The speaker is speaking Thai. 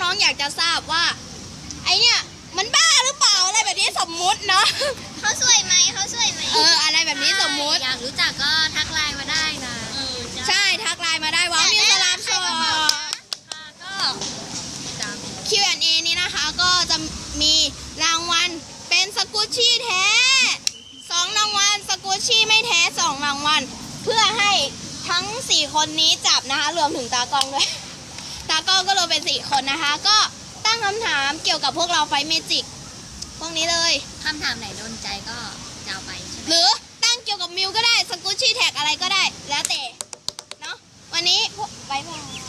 น้องๆอยากจะทราบว่าไอเนี่ยมันบ้าหรือเปล่าอะไรแบบนี้สมมุติเนาะเขาสวยไหมอะไรแบบนี้สมมุติอยากรู้จักก็ทักไลน์มาได้นะใช่ทักไลน์มาได้ว่ามีสลามโชว์ก็ Q&A นี้นะคะก็จะมีรางวัลเป็นสกูชี่แท้2รางวัลสกูชี่ไม่แท้2รางวัลเพื่อให้ทั้ง4คนนี้จับนะคะรวมถึงตากล้องด้วยตากล้องก็รวมเป็น4คนนะคะก็ตั้งคำถามเกี่ยวกับพวกเราไฟเมจิกพวกนี้เลยคำถามไหนโดนใจก็จะเอาไปใช่ไหมหรือตั้งเกี่ยวกับมิวก็ได้สกูชี่แท็กอะไรก็ได้แล้วแต่เนาะวันนี้บ๊ายบาย